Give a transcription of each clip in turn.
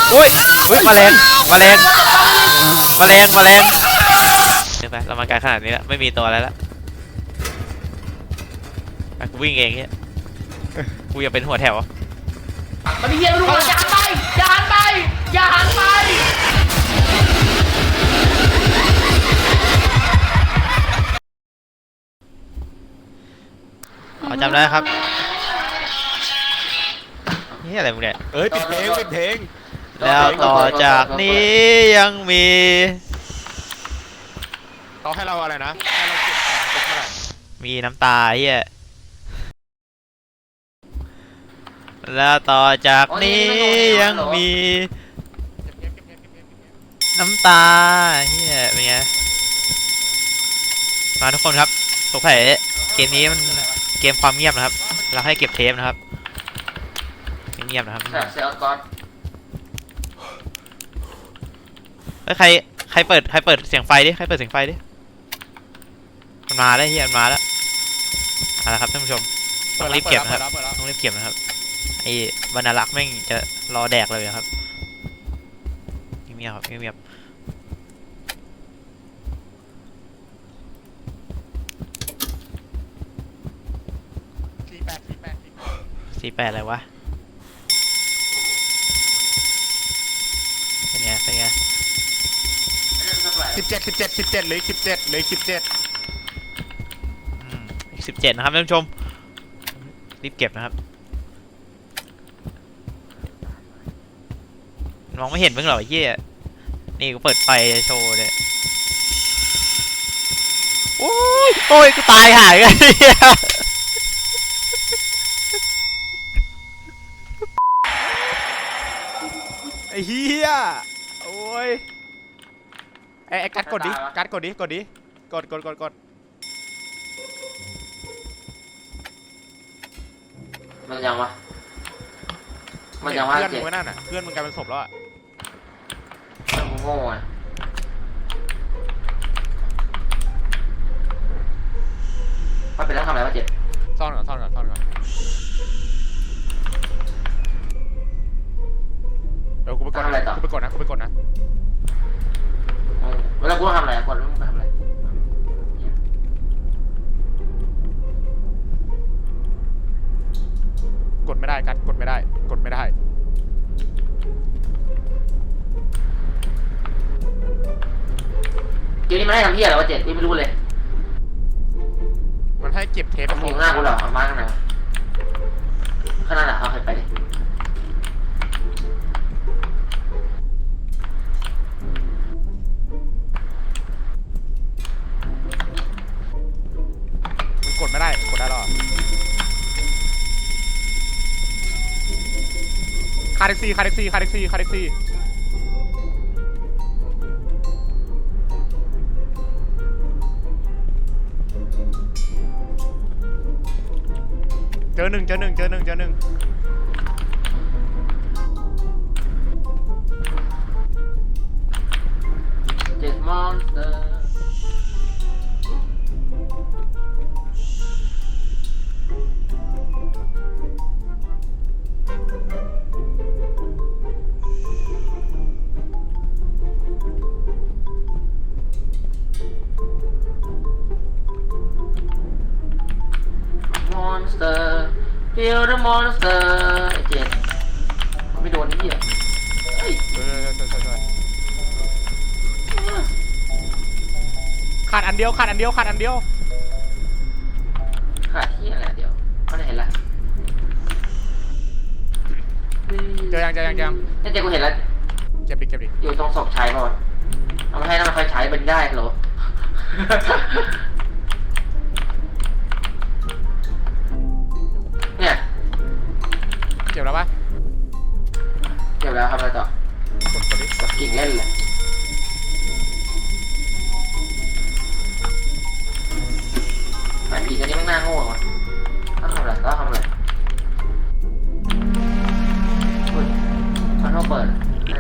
โอ้ยแมลงเดี๋ยวไปเรามาไกลขนาดนี้แล้วไม่มีตัวอะไรแล้วกูวิ่งเองเนี่ยกูอยากเป็นหัวแถวมันมีเฮียไม่รู้อย่าหันไปอย่าหันไปอย่าหันไปจำได้ครับนี่อะไรมึงเนี่ยปิดเพลงแล้วต่อจากนี้ยังมีเขาให้เราอะไรนะให้เราเก็บของเท่าไหร่มีน้ำตาเฮียแล้วต่อจากนี้ยังมีน้ำตาเฮียเป็นไงมาทุกคนครับสงสัยเกมนี้มันเกมความเงียบนะครับเราให้เก็บเทปนะครับเงียบนะครับเซลก่อนใครเปิดเสียงไฟดิใครเปิดเสียงไฟดิมันมาแล้วเฮียมันมาแล้วเอาละครับท่านผู้ชมต้องรีบเก็บนะครับต้องรีบเก็บนะครับไอ้บรรลักษ์แม่งจะรอแดกเลยครับเงียบครับเงียบ48อะไรวะเป็นไง 17เลย17อีก 17นะครับท่านผู้ชมรีบเก็บนะครับมองไม่เห็นเพิ่งหรอเหี้ยนี่ก็เปิดไฟโชว์เลยโอ้ยกูตายหายกันไอ้เหี้ยโอ้ยไอ้กัดกดดิกดมันยังวะเพื่อนมึงนั่นน่ะเพื่อนมึงกลายเป็นศพแล้วอ่ะโง่ไงมันเป็นแล้วทำอะไรวะเจ็บซ่อนก่อนเดี๋ยวกูไปกดนะเวลากูทำอะไรกดแล้วมึงไปทำอะไรกดไม่ได้กัดกดไม่ได้เกมนี้มันให้ทำเหี้ยอะไรวะเจ็บไม่รู้เลยมันให้เก็บเทปมึงหน้ากูเหรอเอามาข้างในข้างหน้าเอาไปดิมันกดได้หรอคาเด็กซี่เจอหนึ่งเจ็ดมอนสเตอร์Feel the monster ไอ้เจ็ดไม่โดนนี่อ่ะเฮ้ยขาดอันเดียวขาดที่อะไรเดียวเขาได้เห็นละเจอยังนี่เจ๊กูเห็นแล้วเก็บดิอยู่ตรงศพชายป่ะเอามาให้น้ำมันไฟฉายเป็นได้เหรอเนี่ยเก็บแล้วปะเก็บแล้วทำอะไรต่อกดกิ่งเล่นเลยไอ้ผีตัวนี้มันน่าโง่ว่ะต้องทำอะไรมันต้องเปิด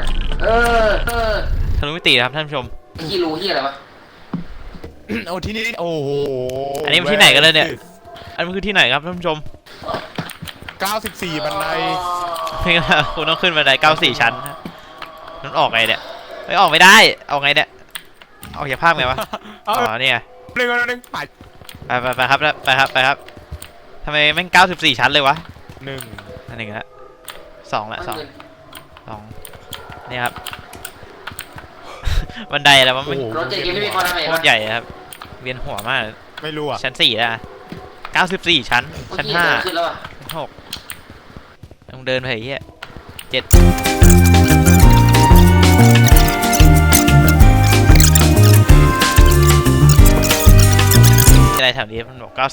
ทะลุมิติครับท่านผู้ชมขี้รู้ที่อะไรวะโอ้ที่นี่โอ้โหอันนี้มันที่ไหนกันเลยเนี่ยอันนี้คือที่ไหนครับท่านผู้ชม 94บันไดคุณต้องขึ้นบันได94ชั้นมันออกไงเนี่ยไม่ออกไม่ได้ออกไงเนี่ยออกจากภาคไหนวะอ๋อเนี่ยหนึ่งไปไปครับไปครับทำไมแม่ง94 ชั้นเลยวะหนึ่งอันหนึ่งละสองเนี่ยครับ บันไดอะไรวะมันรถเจ๊ยังไม่มีคนทำเองโคตรใหญ่ครับเวียนหัวมากไม่รู้อ่ะชั้น4แล้ว94 ชั้นชั้นขึ้นแล้วอ่ะ 5 6ต้องเดินไปเฮีย7อะไรแถวนี้มันบอก94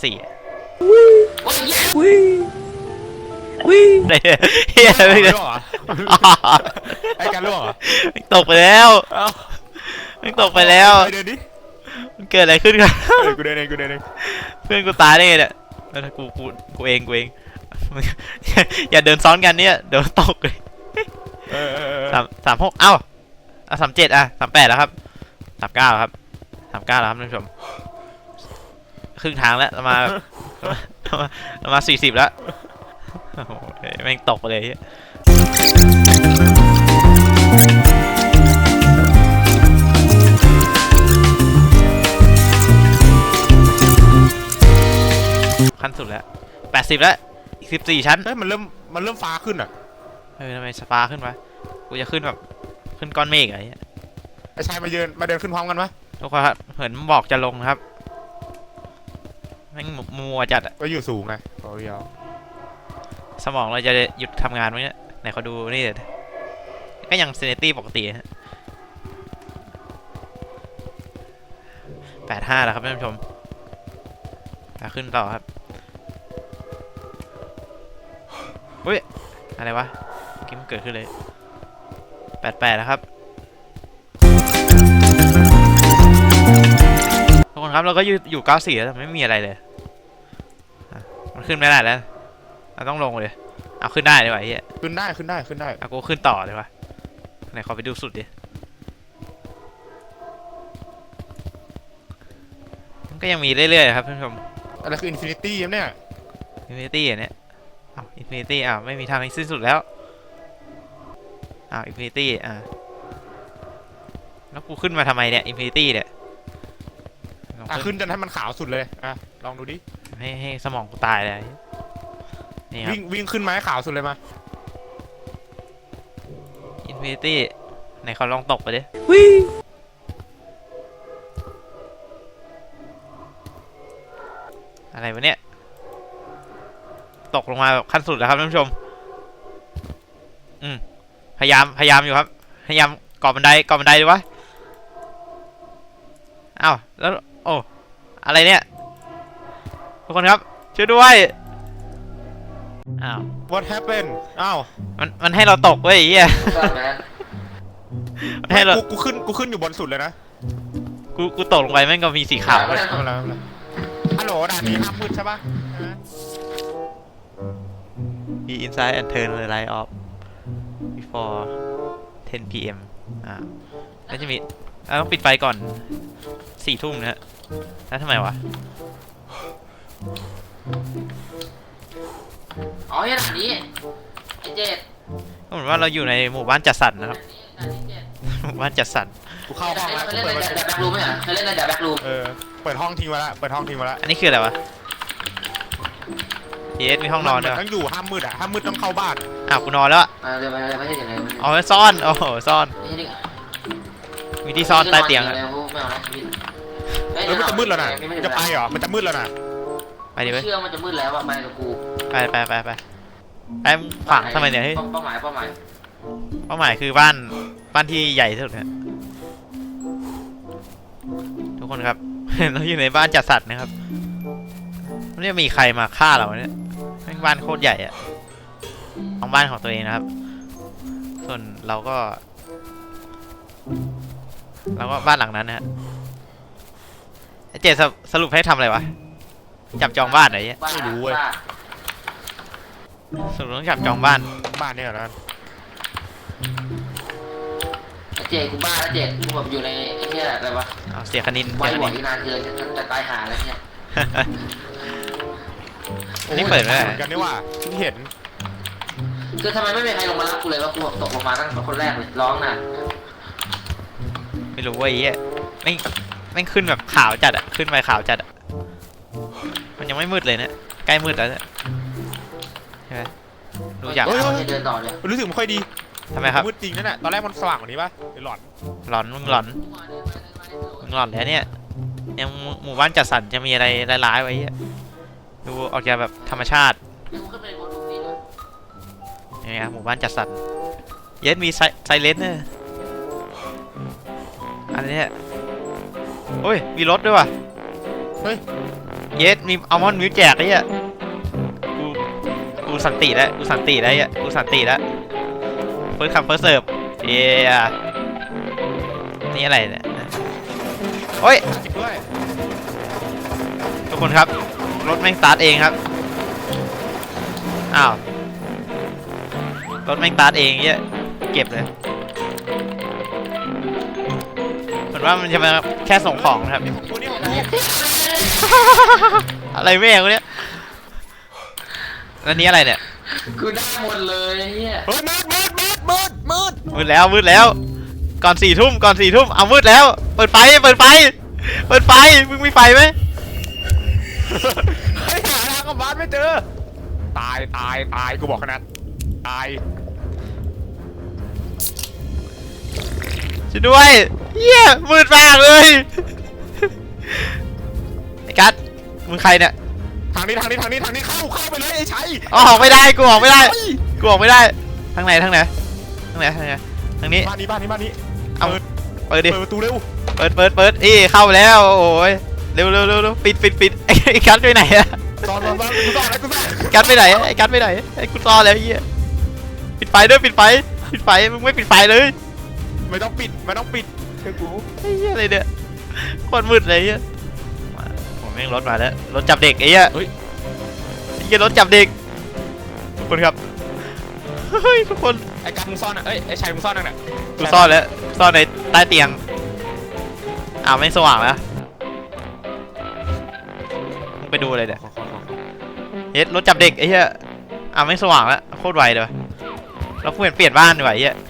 เฮียไม่ล่ได้วงเหรอไอ้การล่วงเหรอตกไปแล้วเอ้ามันตกไปแล้วเดินดิมันเกิดอะไรขึ้นกันกูเดินเองเพื่อนกูตายได้ไงเนี่ยแล้วกูเองอย่าเดินซ้อนกันเนี่ยเดี๋ยวตกเลย36เอ้า3738แล้วครับ39ครับ39แล้วครับท่านผู้ชมครึ่งทางแล้วเรามา40แล้วโอ้โหแม่งตกไปเลยขั้นสุดแล้ว80แล้วอีก14ชั้นเฮ้ยมันเริ่มฟ้าขึ้นอ่ะทำไมสปาขึ้นวะกูจะขึ้นแบบขึ้นก้อนเมฆอะไรเงี้ยไอ้ชายมาเดินขึ้นพร้อมกันไหมทุกคนครับเหมือนบอกจะลงครับแม่งมัวจัดอะก็อยู่สูงไงยาวสมองเราจะหยุดทำงานไหมเนี่ยไหนเขาดูนี่เลยก็ยังเซเนตี้ปกติฮะ85แล้วครับท่านผู้ชมขึ้นต่อครับเฮ้ยอะไรวะเมื่อกี้มันเกิดขึ้นเลย88แล้วครับทุกคนครับเราก็อยู่94แล้วแต่ไม่มีอะไรเลยมันขึ้นไม่ได้แล้วเราต้องลงเลยเอาขึ้นได้ดีกว่าไอ้เหี้ยขึ้นได้เอากูขึ้นต่อเลยวะไหนขอไปดูสุดดิมันก็ยังมีเรื่อยๆครับท่านผู้ชมอะไรคืออินฟินิตี้เนี่ยอินฟินิตี้เนี่ยอ้าวอินฟินิตี้อ้าวไม่มีทางให้สิ้นสุดแล้วอ้าวอินฟินิตี้แล้วกูขึ้นมาทำไมเนี่ยอินฟินิตี้เนี่ยลองขึ้นจนให้มันขาวสุดเลยลองดูดิให้สมองกูตายเลยนี่ครับวิ่งขึ้นมาให้ขาวสุดเลยมาอินฟินิตี้ไหนเขาลองตกไปดิอะไรวะเนี่ยตกลงมาแบบขั้นสุดแล้วครับท่านผู้ชมพยายามอยู่ครับพยายามก่อบันไดดีวะอ้าวแล้วโอ้อะไรเนี่ยทุกคนครับช่วยด้วยอ้าว What happened อ้าวมันให้เราตกเว้ยไอ้เหี้ยมันให้เรากูขึ้นอยู่บนสุดเลยนะกูตกลงไปแม่งก็มีสีขาวเลยฮัลโหลด่านนี้ห้ามมืดใช่ปะ Be inside and turn the light off before 10 p.m. แล้วจะมีต้องปิดไฟก่อน4 ทุ่มนะฮะแล้วทำไมวะอ๋อเนี่ยด่านนี้ไอ้เจ็ดก็เหมือนว่าเราอยู่ในหมู่บ้านจัดสรรนะครับหมู่บ้านจัดสรรกูเข้าห้องแล้วเคยเล่นในแบ็ครูมไหมอ่ะเคยเล่นในแบ็ครูมเปิดห้องทิ้งมาแล้วอันนี้คืออะไรวะมีห้องนอนด้วยต้องอยู่ห้ามมืดห้ามมืดต้องเข้าบ้านอ้าวกูนอนแล้วเดี๋ยวไม่ใช่อย่างไรอ๋อซ่อนโอ้โหซ่อนไม่ใช่ดิมีที่ซ่อนใต้เตียงอะไม่เอานะชีวิตมันจะมืดแล้วนะจะไปเหรอมันจะมืดแล้วนะไปดิเว้ยเชื่อมันจะมืดแล้วอ่ะไปกับกูไปฝังทำไมเนี่ยเฮ้ยเป้าหมายเป้าหมายคือบ้านที่ใหญ่ที่สุดนะทุกคนครับ เราอยู่ในบ้านจัดสรรนะครับไม่ได้มีใครมาฆ่าเราเนี่ยแม่งบ้านโคตรใหญ่อะของบ้านของตัวเองนะครับ ส่วนเราก็บ้านหลังนั้นนะฮะเจสรุปให้ทำอะไรวะจับจองบ้านอะไรเงี้ยไม่รู้เว้ยสรุปต้องจับจองบ้านเนี่ยนะเจ๊กูบ้าแล้วเจ๊กูแบบอยู่ในไอ้เนี่ยอะไรวะเอาเสียคณินไว้หวังที่นานเกินจะตายหาแล้วเนี่ยนี่เปิดไม่ได้กันนี่ว่าที่เห็นคือทำไมไม่มีใครลงมารับกูเลยว่ากูตกลงมาตั้งแต่คนแรกเลยร้องน่ะไม่รู้ว่าไอ้เหี้ยไม่งขึ้นแบบขาวจัดอะขึ้นไปขาวจัดอะมันยังไม่มืดเลยนะใกล้มืดแล้วเนี่ยใช่ไหมดูอย่างเดินต่อเลยรู้สึกไม่ค่อยดีทำไมครับมืดจริงนั่นแหละตอนแรกมันสว่างกว่านี้ป่ะหรือหลอนหลอนมึงหลอนแล้วเนี่ยยังหมู่บ้านจัดสรรจะมีอะไรร้ายๆไว้เหี้ยดูออกจากแบบธรรมชาตินี่ครับหมู่บ้านจัดสรรเย็ดมีไซเลนเนอร์อันนี้โอ้ยมีรถด้วยว่ะเฮ้ยเย็ดมีอัลมอนด์มิวแจกไอ้เหี้ยกูสันติแล้วกูสันติแล้วไอ้เหี้ยกูสันติแล้วเฟิร์สคัมเฟิร์สเสิร์ฟเย้นี่อะไรเนี่ยโอ้ยจริงด้วยทุกคนครับรถแม่งสตาร์ทเองครับอ้าวรถแม่งสตาร์ทเองเงี้ยเก็บเลยเหมือนว่ามันจะมาแค่ส่งของนะครับกูนี่ของกูอะไรแม่งวะเนี่ยแล้วนี้อะไรเนี่ยกูได้หมดเลยเฮียเฮ้ยมืดมืดแล้วก่อน4 ทุ่มเอามืดแล้วเปิดไฟมึงมีไฟไหมเฮ้ยหาทางกลับบ้านไม่เจอตายกูบอกขนาดตายช่วยด้วยเหี้ยมืดมากเลยไอ้กัสมึงใครเนี่ยทางนี้เข้าไปเลยไอ้ชัยออกไม่ได้กูออกไม่ได้ทางไหนทางนี้บ้านนี้เอาเปิดดิเปิดประตูเร็วเปิดเข้าแล้วโอ้ยเร็วปิดไอ้กัสไปไหนอะซ่อนกูซ่อนกัสไปไหนไอ้กัสไปไหนไอ้กูซ่อนแล้วไอ้เหี้ยปิดไฟด้วยปิดไฟมึงไม่ปิดไฟเลยไม่ต้องปิดเชื่อกูไอ้เหี้ยอะไรเนี่ยโคตรมืดเลยไอ้เหี้ยผมแม่งรถมาแล้วรถจับเด็กไอ้เหี้ยเฮ้ยไอ้เหี้ยรถจับเด็กทุกคนครับเฮ้ยทุกคนไอ้การมึงซ่อนอ่ะไอ้ชัยมึงซ่อนนั่นแหละกูซ่อนแล้วซ่อนในใต้เตียงอ้าวไม่สว่างแล้วมึงไปดูอะไรเนี่ยเฮ็ดรถจับเด็กไอ้เหี้ยอ้าวไม่สว่างแล้วโคตรไวเลยว่ะเราเปลี่ยนบ้านดีกว่าไอ้เหี้ย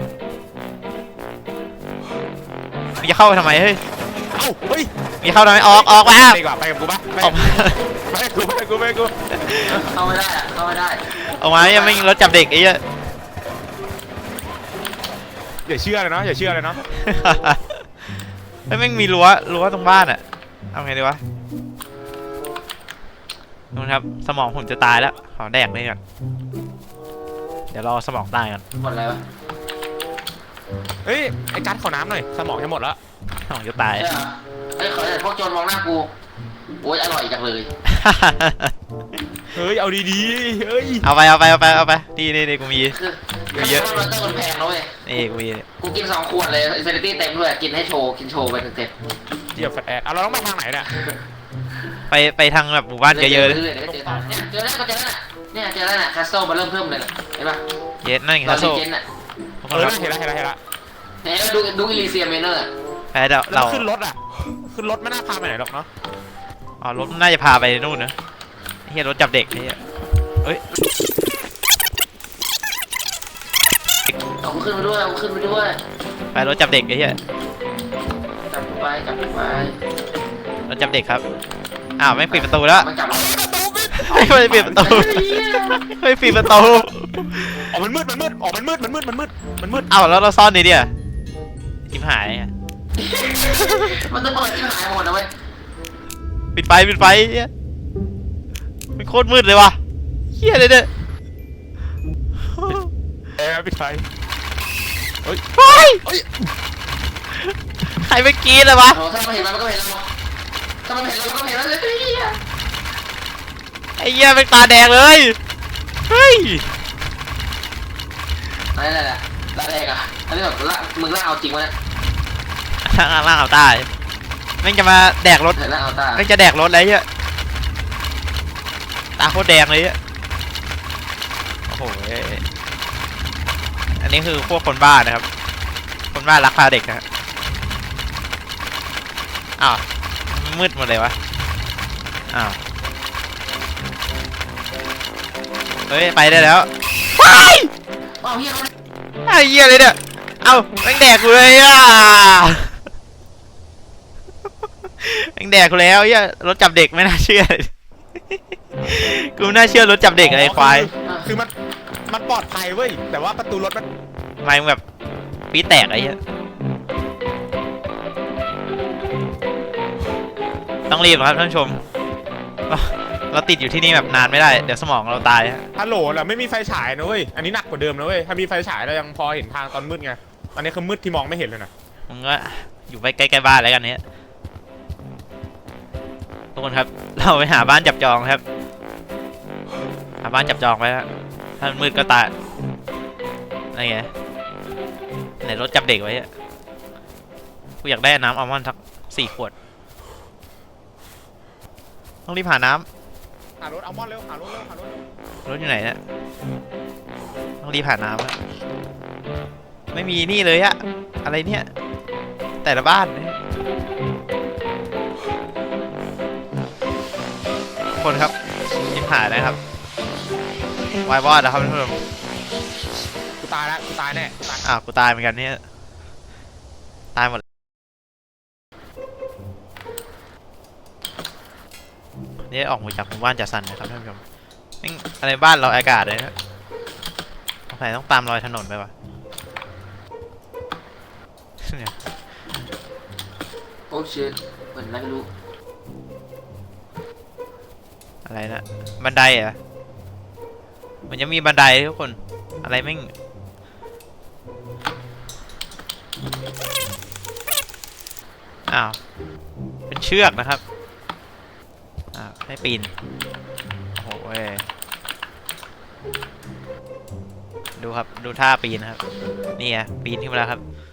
มึงจะเข้าไปทำไมเฮ้ยเอ้าเฮ้ยมึงจะเข้าทำไมออกมาดีกว่าไปกับกูปะออกมาไปกูเข้าไม่ได้เข้าไม่ได้ออกมายังไม่รถจับเด็กไอ้เหี้ยอย่าเชื่อเลยเนาะไม่แม่งมีรั้วตรงบ้านอะเอาไงดีวะนู่นครับสมองผมจะตายแล้วขอแดกเลยก่อนเดี๋ยวรอสมองตายก่อนหมดแล้วเฮ้ยไอ้การขอน้ำหน่อยสมองจะหมดแล้วสมองจะตายใช่เหรอเฮ้ยขอแต่พวกโจรมองหน้ากูโอ้ยอร่อยจังเลยเฮ้ยเอาดีๆเฮ้ยเอาไปนี่กูมีคือเยอะมันต้องคนแพงนะเว้ยนี่กูมีกูกิน2 ขวดเลยอินฟินิตี้เต็มด้วยกินให้โชว์ไปเต็มเหยียบแฟตแอดเราต้องไปทางไหนเนี่ยไปทางแบบหมู่บ้านเยอะๆเลยเดี๋ยวก็เจอแล้วเนี่ยเจอแล้วน่ะคัสโซมาเริ่มเลยเห็นปะเย็ดนั่นไงตคอรันบโซ่รีเจนน่ะทุกคเอน อครับเห็นแล้วเนี่ยดูอิลิเซียเมเนอร์แพ้เดี๋ยวแล้เราวขึ้นรถไม่น่าพาไปไหนหรอกเนาะอ๋อรถน่าจะพาไปนู่นนะเฮียรถจับเด็กเฮียเอ้ยเอาขึ้นไปด้วยไปรถจับเด็กไอ้เฮียจับไปรถจับเด็กครับอ้าวไม่ปิดประตูแล้วมันจับเราไม่ปิดประตูไม่ปิดประตูอ๋อมันมืดอ๋อมันมืดอ้าวแล้วเราซ่อนนี่เดียทิมหายอะมันจะเปิดที่หายหมดนะเว้ยปิดไฟเฮียมันโคตรมืดเลยว่ะเฮียเลยเนี่ยปิดไฟเฮ้ยใครไปกรีดเลยวะโอ้ถ้ามันเห็นมันก็เห็นเราถ้ามันเห็นเราก็เห็นแล้วเลยไอ้เหี้ยเป็นตาแดงเลยเฮ้ยอะไรล่ะละแรกอ่ะอันนี้แบบละมึงละเอาจริงวะเนี่ยล่างเอาตายแม่งจะมาแดกรถเห็นละเอาตาแม่งจะแดกรถอะไรเงี้ยตาโคตรแดงเลยอ่ะโอ้โหอันนี้คือพวกคนบ้านะครับคนบ้ารักพาเด็กนะอ้าวมืดหมดเลยวะอ้าวเฮ้ยไปได้แล้วว้ายอ้าวเฮียมันไอ้เหี้ยเลยเนี่ยเอาแม่งแดกกูเลยอ่ะแม่งแดกกูแล้วเหี้ยรถจับเด็กไม่น่าเชื่อกูไม่น่าเชื่อรถจับเด็กอะไรควายคือมันปลอดภัยเว้ยแต่ว่าประตูรถมันทำไมมึงแบบปี๊ดแตกไอ้เหี้ยต้องรีบครับท่านผู้ชมเราติดอยู่ที่นี่แบบนานไม่ได้เดี๋ยวสมองเราตายฮะฮัลโหลเราไม่มีไฟฉายนะเว้ยอันนี้หนักกว่าเดิมนะเว้ยถ้ามีไฟฉายเรายังพอเห็นทางตอนมืดไงตอนนี้คือมืดที่มองไม่เห็นเลยนะมึงก็อยู่ไปใกล้ๆบ้านแล้วกันเนี้ยทุกคนครับเราไปหาบ้านจับจองครับหาบ้านจับจองไว้ฮะถ้ามันมืดก็ตายอะไรเงี้ยไหนรถจับเด็กไว้อะกูอยากได้น้ำอัลมอนด์สัก4 ขวดต้องรีบหาน้หารถอัลมอนด์เร็วหารถเร็วหารถเร็วำรถอยู่ไหนเนี่ยต้องรีบหาน้ำอะไม่มีนี่เลยอะอะไรเนี่ยแต่ละบ้านเนี่ยทุกคนครับรีบหานะครับวายวอดนะครับท่านผู้ชมกูตายแล้วกูตายแน่กูตายอ้าวกูตายเหมือนกันเนี่ยตายหมดนี่ออกมาจากหมู่บ้านจัดสรรนะครับท่านผู้ชมแม่งอะไรบ้านเราอากาศเลยนะสงสัยต้องตามรอยถนนไปวะเนี่ยโอ้ชิตเหมือนอะไรไม่รู้อะไรนะบันไดเหรอมันจะมีบันไดทุกคนอะไรแม่งอ้าวเป็นเชือกนะครับให้ปีนโอ้โหดูครับดูท่าปีนนะครับนี่ไงปีนขึ้นมาแล้วครับ